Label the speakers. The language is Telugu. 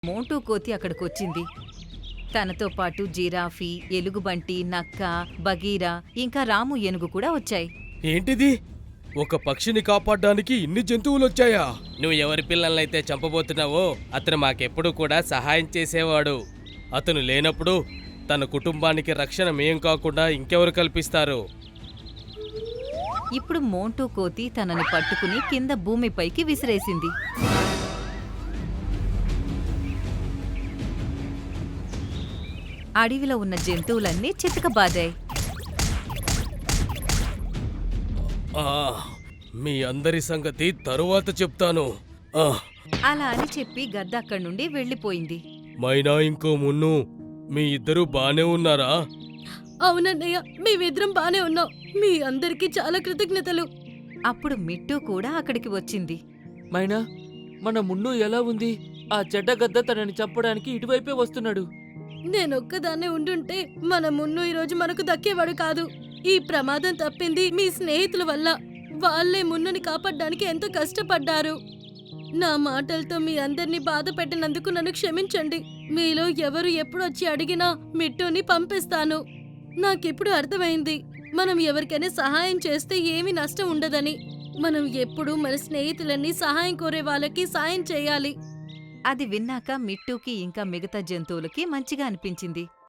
Speaker 1: మోంటూ కోతి అక్కడికొచ్చింది. తనతో పాటు జిరాఫీ, ఎలుగుబంటి, నక్క, బగీరా ఇంకా రాము ఏనుగు కూడా వచ్చాయి.
Speaker 2: ఏంటిది? ఒక పక్షిని కాపాడ్డానికి ఇన్ని జంతువులొచ్చాయా? నువ్వు ఎవరి పిల్లలనైతే చంపబోతున్నావో అతను మాకెప్పుడు కూడా సహాయం చేసేవాడు. అతను లేనప్పుడు తన కుటుంబానికి రక్షణ మేం కాకుండా ఇంకెవరు కల్పిస్తారు?
Speaker 1: ఇప్పుడు మోంటూ కోతి తనని పట్టుకుని కింద భూమిపైకి విసిరేసింది. అడవిలో ఉన్న జంతువులన్నీ చితకబాదాయి.
Speaker 2: ఆ, మీ అందరి సంగతి తరువాత చెప్తాను. ఆ,
Speaker 1: అలా అని చెప్పి గద్ద అక్కడి నుండి వెళ్ళిపోయింది.
Speaker 2: మైనా ఇంకో మున్ను, మీ ఇద్దరు బానే ఉన్నారా?
Speaker 3: అవునన్నయ్య, మేమిద్దరం బానే ఉన్నాం. మీ అందరికీ చాలా కృతజ్ఞతలు.
Speaker 1: అప్పుడు మిట్టూ కూడా అక్కడికి వచ్చింది.
Speaker 4: మైనా, మన మున్ను ఎలా ఉంది? ఆ చెడ్డ గద్ద తనని చంపడానికి ఇటువైపే వస్తున్నాడు.
Speaker 3: నేనొక్కదాన్నే ఉండుంటే మన మున్ను ఈరోజు మనకు దక్కేవాడు కాదు. ఈ ప్రమాదం తప్పింది మీ స్నేహితుల వల్ల. వాళ్ళే మున్నుని కాపాడడానికి ఎంతో కష్టపడ్డారు. నా మాటలతో మీ అందరినీ బాధ పెట్టినందుకు నన్ను క్షమించండి. మీలో ఎవరు ఎప్పుడు వచ్చి అడిగినా మిట్టుని పంపిస్తాను. నాకిప్పుడు అర్థమైంది, మనం ఎవరికైనా సహాయం చేస్తే ఏమీ నష్టం ఉండదని. మనం ఎప్పుడూ మన స్నేహితులన్నీ సహాయం కోరే వాళ్ళకి సాయం చేయాలి.
Speaker 1: అది విన్నాక మిట్టూకి ఇంకా మిగతా జంతువులకి మంచిగా అనిపించింది.